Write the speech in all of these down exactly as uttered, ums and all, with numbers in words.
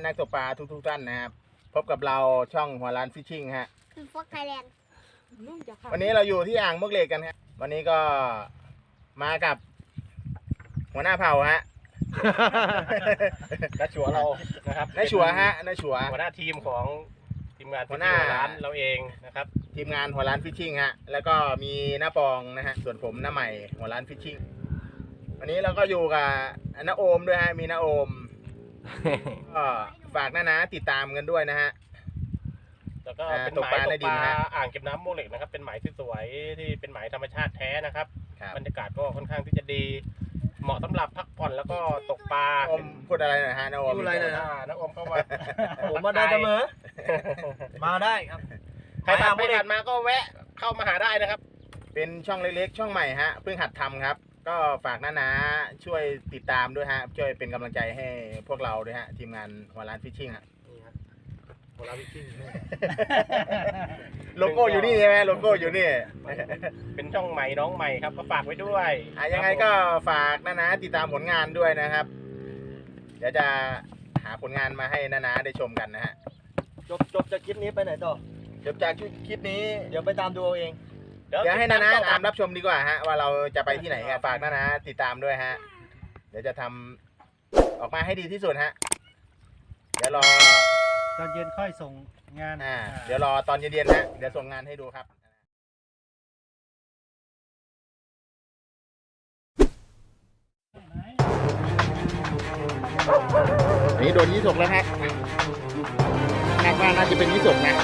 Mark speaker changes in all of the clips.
Speaker 1: นักตกปลาทุกๆท่านนะครับพบกับเราช่องหัวร้านฟิชชิ่งฮะ
Speaker 2: คือฟอกไทยแลนด์
Speaker 1: วันนี้เราอยู่ที่อ่างมวกเหล็กกันครับวันนี้ก็มากับหัวหน้าเผ่าฮะ
Speaker 3: น้าชัวเรานะครับ
Speaker 1: น้าชัวฮะน้าชัว
Speaker 3: หัวหน้าทีมของทีมงาน
Speaker 1: หัวหน้า
Speaker 3: ร้านเราเองนะครับ
Speaker 1: ทีมงานหัวร้านฟิชชิ่งฮะแล้วก็มีน้าปองนะฮะส่วนผมน้าใหม่หัวร้านฟิชชิ่งวันนี้เราก็อยู่กับน้าโอมด้วยฮะมีน้าโอมก็ฝากน้านะติดตามกันด้วยนะฮะ
Speaker 3: แล้วก็เป็นหมายตกปลาอ่างเก็บน้ำมวกเหล็กนะครับเป็นหมายสวยๆที่เป็นหมายธรรมชาติแท้นะครับบรรยากาศก็ค่อนข้างที่จะดีเหมาะสำหรับพักผ่อนแล้วก็ตกปลา
Speaker 1: อมพูดอะไรหน่อยฮะน้าโอม
Speaker 3: พูดอะไรหน่อยนะน้าโอมเข้ามา
Speaker 4: ผมมาได้เสมอมาได้ครับ
Speaker 3: ใครผ่านไปผ่านมาก็แวะเข้ามาหาได้นะครับ
Speaker 1: เป็นช่องเล็กๆช่องใหม่ฮะเพิ่งหัดทำครับก็ฝากน้านะช่วยติดตามด้วยฮะช่วยเป็นกำลังใจให้พวกเราด้วยฮะทีมงานหัวร้านฟิชชิ่งฮะ
Speaker 4: หัวร้านฟิชชิ่ง
Speaker 1: โลโก้อยู่นี่ใช่ไหมโลโก้อยู่นี่
Speaker 3: เป็นช่องใหม่น้องใหม่ครับก็ฝากไว้ด้วย
Speaker 1: อ่ะยังไงก็ฝากน้านะติดตามผลงานด้วยนะครับเดี๋ยวจะหาผลงานมาให้น้านะได้ชมกันนะฮะ
Speaker 4: จบจบจากคลิปนี้ไปไหนต่อ
Speaker 1: จบจากคลิปนี้
Speaker 4: เดี๋ยวไปตามดูเอาเอง
Speaker 1: เดี๋ยวให้น้านะตามรับชมดีกว่าฮะว่าเราจะไปที่ไหนฝากน้านะติดตามด้วยฮะเดี๋ยวจะทำออกมาให้ดีที่สุดฮะเดี๋ยวรอ
Speaker 4: ตอนเย็นค่อยส่งงาน
Speaker 1: อ่าเดี๋ยวรอตอนเย็นๆนะเดี๋ยวส่งงานให้ดูครับอันนี้โดนยี่สกแล้วฮะคาดว่าน่าจะเป็นยี่สกนะ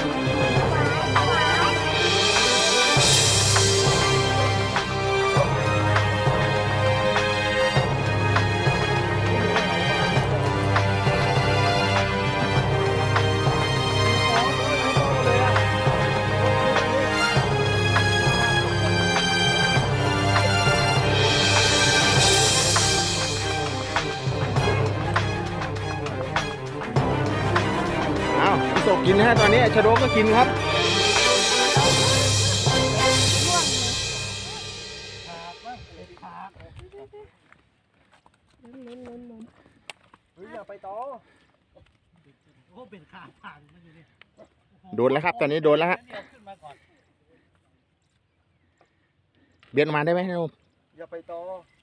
Speaker 1: ตกกินนะฮะตอนนี้ชะโดก็กินครับ
Speaker 4: อย่าไปต่อ
Speaker 1: โดนแล้วครับตอนนี้โดนแล้วฮะเบียนมาได้ไหมนุ่ม
Speaker 4: อย่าไปต่อ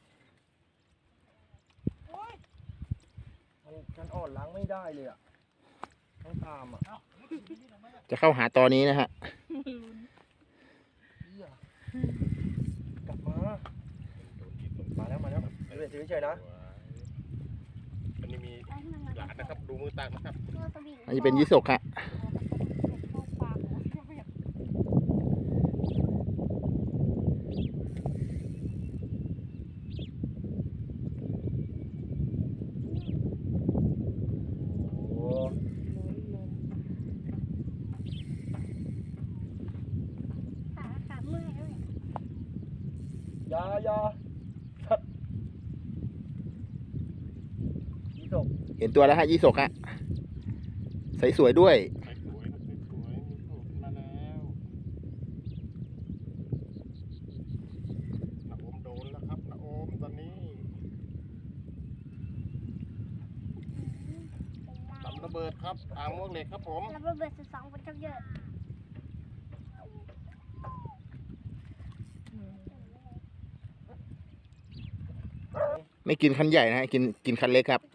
Speaker 4: มันอ่อนล้างไม่ได้เลยอ่ะต้องตามอ่ะ
Speaker 1: จะเข้าหาตอนนี้นะฮะ
Speaker 4: กลับมามาแล้วมาแล้วเฉยเฉยนะ
Speaker 3: อันนี้มีหลานนะครับดูมือตักนะครับ
Speaker 1: อันนี้เป็นยี่สกฮะ
Speaker 4: ยายายี่สก
Speaker 1: เห็นตัวแล้วฮะยี่สกฮะใสสวยด้วย
Speaker 3: ใสสวยใสสวยมีโผล่ขึ้นมาแล้วน้าโอมโดนแล้วครับน้าโอมตอนนี้ลำระเบิดครับอ่างมวกเหล็กครับผม
Speaker 2: ลำระเบิดสุดสองคนจับเยอะ
Speaker 1: ไม่กินคันใหญ่นะฮะกินกินคันเล็กครับ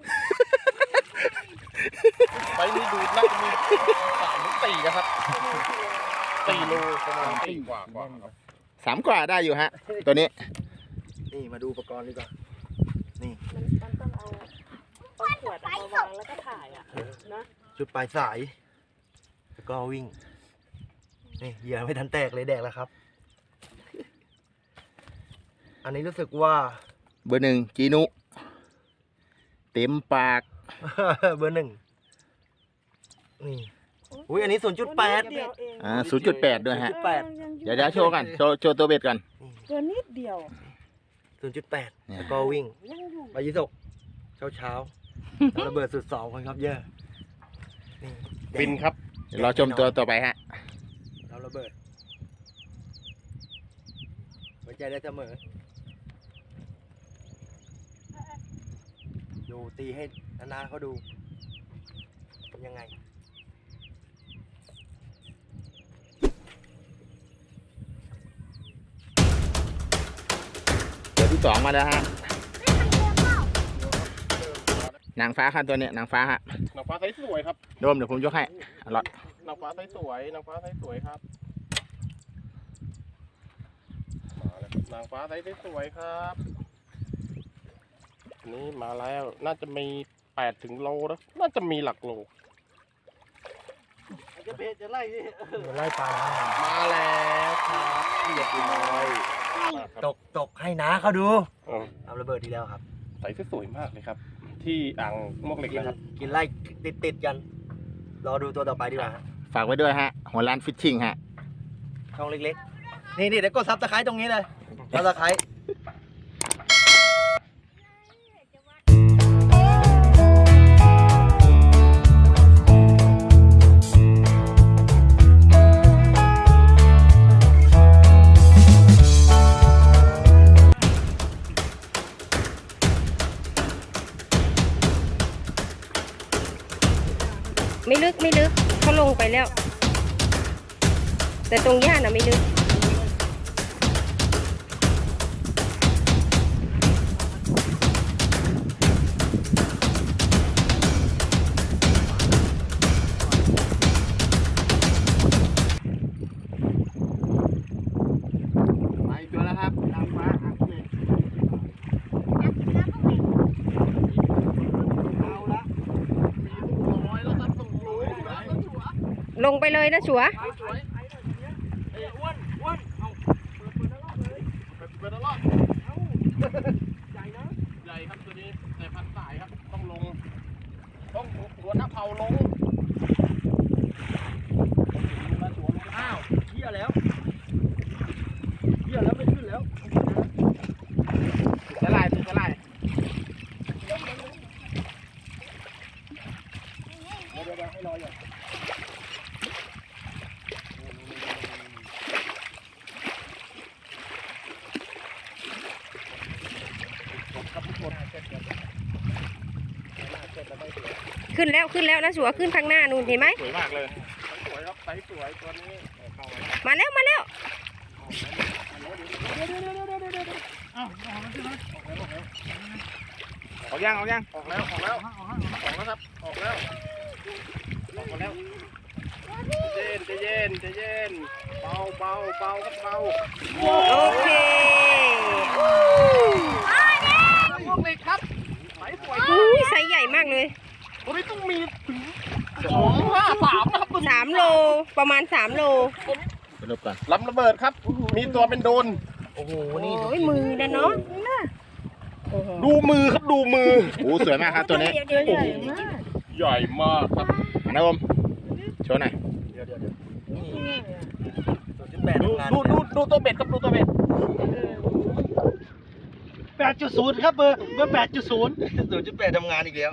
Speaker 3: ไปนี่ดูน่าจะมีสามถึงสี่นะครับสี่โลประมาณสี่กว่ากว่าครับ
Speaker 1: สามกว่าได้อยู่ฮะตัวนี้
Speaker 4: นี่มาดูอุปกรณ์ดีกว่านี่
Speaker 5: มันต้องเอาเอาขวดมาวางแล้วก็ถ่ายอ่ะนะ
Speaker 4: จุดปลายสายแล้วก็วิ่งนี่เหยื่อไม่ทันแตกเลยแดกแล้วครับอันนี้รู้สึกว่า
Speaker 1: เบอร์หนึ่งจีนุเต็มปาก
Speaker 4: เบอร์หนึ่งนี่อุ้ยอันนี้ศูนย์จุดแปด
Speaker 1: อ่าศูนย์จุดแปดด้วยฮะเดี๋ยวเดี๋ยวโชว์กันโชว์โชว์ตัวเบ็ดกัน
Speaker 5: ตัวนิดเดียว
Speaker 4: ศูนย์จุดแปดแล้วก็วิ่งไปยี่สกเช้าเช้าระเบิดสุดสองคนครับเยอะ
Speaker 1: บินครับเดี๋ยวรอชมตัวต่อไปฮะ
Speaker 4: เราระเบิดไว้ใจได้เสมอดูตีให้นานาเขาดูำยังไง
Speaker 1: ตัวที่สองมาแล้วฮะนางฟ้าครับตัวเนี้ยนางฟ้าฮะ
Speaker 3: นางฟ้าไซส์สวยครับ
Speaker 1: โดมเดี๋ยวผมยกให้อร่อย
Speaker 3: นางฟ้าไซส์สวยนางฟ้าไซส์สวยครับมาแล้วนางฟ้าไซส์สวยครับอันนี้มาแล้วน่าจะมีแปดถึงโลนะน่าจะมีหลักโล
Speaker 4: จะเบสจะไล่ที่
Speaker 3: ไล่ปลามาแล้วครับเรียบร้อย
Speaker 4: ตกตกให้น้าเขาดู
Speaker 3: เออ
Speaker 4: ทำระเบิดทีแล้วครับ
Speaker 3: ใส่สวยมากเลยครับ ที่อ่างมวกเหล็ก
Speaker 4: กิน
Speaker 3: นะครับ
Speaker 4: กินไล่ติดติดๆกัน รอดูตัวต่อไปดีกว่าฮะ
Speaker 1: ฝากไว้ด้วยฮะหัวร้านฟิชชิ่งฮะ
Speaker 4: ช่องเล็กๆ นี่นี่เดี๋ยวกดซับสไครต์ตรงนี้เลยซับสไครต์
Speaker 6: ไม่ลึกไม่ลึกเขาลงไปแล้ว แต่ตรงหญ้าน่ะไม่ลึก
Speaker 1: ไปตัวแล้วครับนางฟ้าอ่ะนี่เอาละมีตัวน้อยแล้วครับต้องรู้นะ
Speaker 6: ลงไปเลยนะชัว
Speaker 1: สวยเอ้ยอ้วนอ้วนเอาเปิดเปิดแล้วรอบเลยเปิดเปิดแล้วรอบเอาใหญ่นะใหญ่ครับตัวนี้แต่พันสายครับต้องลงต้องหัวหน้าเผาลงอ้าว
Speaker 4: เหี้ยแล้วเหี้ยแล้วไม่ขึ้นแล้ว
Speaker 1: ติดอะไรติดอะไร
Speaker 4: เดี๋ยวเดี๋ยวให้รออย่าง
Speaker 6: ขึ้นแล้วขึ้นแล้วนะชัวขึ้นข้างหน้านู่นเห็นไหม
Speaker 3: สวยมากเลยสวยครับไซส์สวยตัวนี้เข้ามา
Speaker 6: มาแล้วมาแล้ว
Speaker 1: ออกยังออกยัง
Speaker 3: ออกแล้วออกแล้วออกแล้วครับออกแล้วออกมาแล้วใจเย็นใจเย็นใจเย็นเบาเบาเบาครับเบา
Speaker 6: โอเค
Speaker 3: พวกเล็กครับไซส์สวย
Speaker 6: อุ้ยไซส์ใหญ่มากเลย
Speaker 3: ตัวนี้ต้องมีถึงสองห้าสามนะครับ
Speaker 6: สามโลประมาณสามโล
Speaker 1: ไปลบก่อน
Speaker 3: ลำระเบิดครับ มีตัวเป็นโดน
Speaker 4: โอ้โห นี่
Speaker 6: โอ้ยมือนะเนาะโอ้โห
Speaker 3: ดูมือครับดูมือ
Speaker 1: โอ้สวยมากครับตัวนี้
Speaker 6: เดี๋ยวเดี๋ยวเดี๋ยว
Speaker 3: ใหญ่มากครับ
Speaker 1: นะอมโชว์หน่อย
Speaker 4: เดี๋ยวเดี๋ยวเดี๋ยวนี่ศูนย์จุดแปด
Speaker 3: ดู
Speaker 4: ทำงาน
Speaker 3: ดูดูดูตัวเบ็ดครับดูตัวเบ็ด
Speaker 4: แปดจุดศูนย์ครับเบอร์เบอร์แปดจุดศูนย์ศูนย์จุดแปดทำงานอีกแล้ว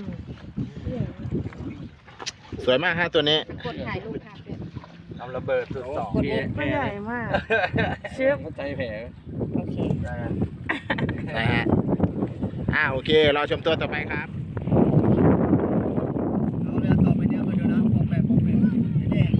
Speaker 1: สวยมากฮะตัวนี้
Speaker 6: กดถ่ายรูปค่ะ
Speaker 4: ทำระเบิดสุดสอง
Speaker 6: กดมุกไม่ใหญ่มากเชื่อ
Speaker 4: ใจแผล
Speaker 6: โอเค
Speaker 1: นะฮะอ่าโอเครอชมตัวต่อไปครับ
Speaker 4: เอาเรือต่อไปเนี่ยมาดูนะปอกแปะปอกแปะแดง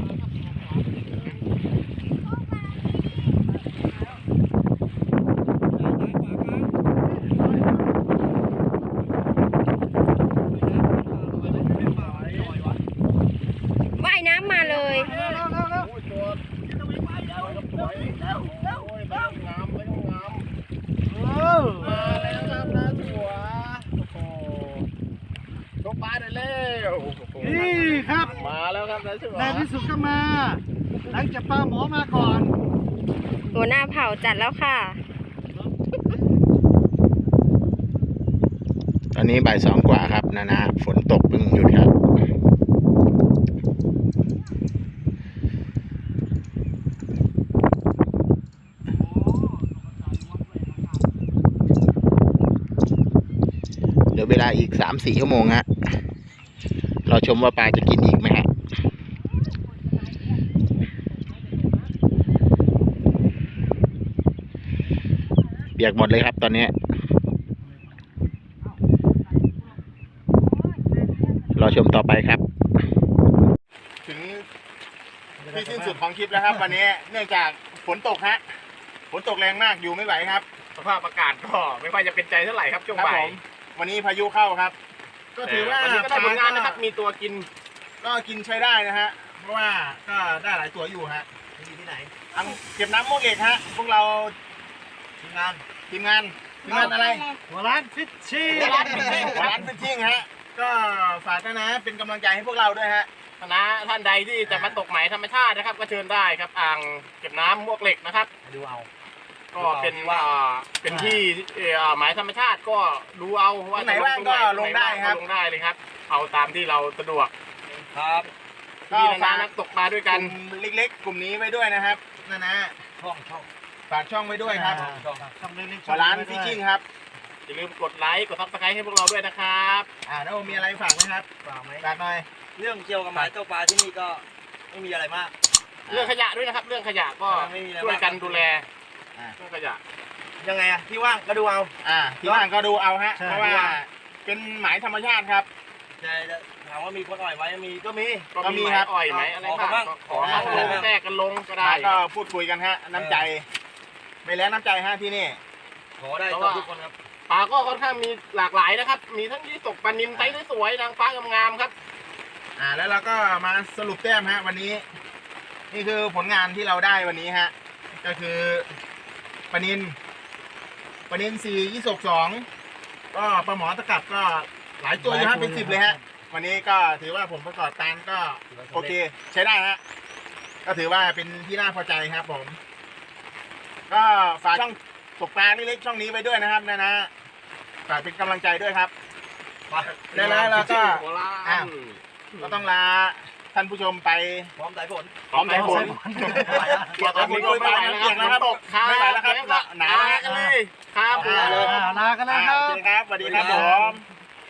Speaker 6: ว่ายน้ำมาเลย
Speaker 3: โอ้ยตัวสวยแล้วโอ้ยไม่ต้องงามไม่ต้องงามมาแล้วครับนะตัวโอ้โหยกปลาได้แล้วโอ้โห
Speaker 4: นี่ครับ
Speaker 3: มาแล้วครับนะชัว
Speaker 4: ในที่สุดก็มา หลังจากปลาหมอมาก่อน
Speaker 6: หัวหน้าเผ่าจัดแล้วค่ะ
Speaker 1: ตอนนี้บ่ายสองกว่าครับนะนะฝนตกเพิ่งหยุดครับเหลือเวลาอีกสามสี่ชั่วโมงฮะเราชมว่าปลาจะกินอีกไหมฮะเปียกหมดเลยครับตอนนี้รอชมต่อไปครับ ถึงที่สิ้นสุดของคลิปแล้วครับ วันนี้เนื่องจากฝนตกฮะฝนตกแรงมากอยู่ไม่ไหวครับสภาพอากาศก็ไม่ค่อยจะเป็นใจเท่าไหร่ครับช่วงบ่ายวันนี้พายุเข้าครับ ก็ถือว่าวันนี้ก็ได้ผลงานนะครับมีตัวกินก็กินใช้ได้นะฮะเพราะว่าก็ได้หลายตัวอยู่ฮะอยู่ที่ไหนทางเก็บน้ำมวกเหล็กฮะพวกเราทีมงานทีมงานทีมงานอะไร
Speaker 3: หัวร้านฟิชชี่
Speaker 1: หัวร้านฟิชชิ่งหัวร้านฟิชชิ่งฮะก็ฝากนะนะเป็นกำลังใจให้พวกเราด้วยฮะคณะท่านใดที่จะมาตกหมายธรรมชาตินะครับ ก็เชิญได้ครับอ่างเก็บน้ำมวกเหล็กนะครับ
Speaker 3: ดูเอา
Speaker 1: ก็เป็นว่าเป็นที่เอ่อหมายธรรมชาติก็ดูเอาว่าไหนว่างก็ลงได้ครับลงได้เลยครับ เอาตามที่เราสะดวก
Speaker 4: ครับ
Speaker 1: ก็ฝากนักตกปลาด้วยกันเล็กๆกลุ่มนี้ไว้ด้วยนะครับนะนะ
Speaker 3: ช่องช่อง
Speaker 1: ฝากช่องไว้ด้วยครับ
Speaker 3: ช่องเล็กๆ
Speaker 1: หัวร้านฟิชชิ่งครับอย่าลืมกดไลค์กดซับสไครต์ให้พวกเราด้วยนะครับอ่าแล้วมีอะไรฝากไหมครับ
Speaker 3: ฝากไหม
Speaker 1: ฝากหน่อย
Speaker 4: เรื่องเกี่ยวกับหมายตกปลาที่นี่ก็ไม่มีอะไรมาก
Speaker 1: เรื่องขยะด้วยนะครับ เรื่องขยะก็
Speaker 4: ไม่มีอะไร
Speaker 1: ช่วยกันดูแล
Speaker 4: อ่า
Speaker 1: เรื่องขยะ
Speaker 4: ยังไงอะที่ว่างก็ดูเอา
Speaker 1: อ่าที่ว่างก็ดูเอาฮะเพราะว่าเป็นหมายธรรมชาติครับ
Speaker 4: ใช่ถามว่ามีคนอ่อยไว้มีก็มี
Speaker 1: ก็มีครับอ่อยไหมอะไร
Speaker 4: ขอ
Speaker 1: บ้าง
Speaker 4: บ้าง
Speaker 1: ขอมาลงแทรกกันลงก็ได้ก็พูดคุยกันฮะน้ำใจไม่แล้วน้ำใจฮะที่นี่
Speaker 4: ขอได้ตบทุกคนครับ
Speaker 1: ปลาก็ค่อนข้างมีหลากหลายนะครับ มีทั้งที่ตกปลานิลไซส์สวยๆนางฟ้างามๆครับ อ่าแล้วเราก็มาสรุปแต้มฮะวันนี้ นี่คือผลงานที่เราได้วันนี้ฮะก็คือปลานิลปลานิลสี่ยี่สกสองก็ปลาหมอตะกับก็หลายตัวอยู่ฮะเป็นสิบเลยฮะวันนี้ก็ถือว่าผมประกอบการก็โอเคใช้ได้ฮะก็ถือว่าเป็นที่น่าพอใจครับผม ก็ฝากช่องตกปลานี่เล็กช่องนี้ไปด้วยนะครับนะนะฝากเป็นกำลังใจด้วยครับแล้วแล้วก็อ้าวก็ต้องลาท่านผู้ชมไป
Speaker 4: พร้อมสายฝน
Speaker 1: พร้อมสายฝนเปียกแล้วไม่ไหวแล้วเปียกแล้วครับไม่ไหวแล้วครับหนาวแล้วเลยครับ
Speaker 3: ลากันแล้วครับ
Speaker 1: โอเคครับสวัสดีครับผม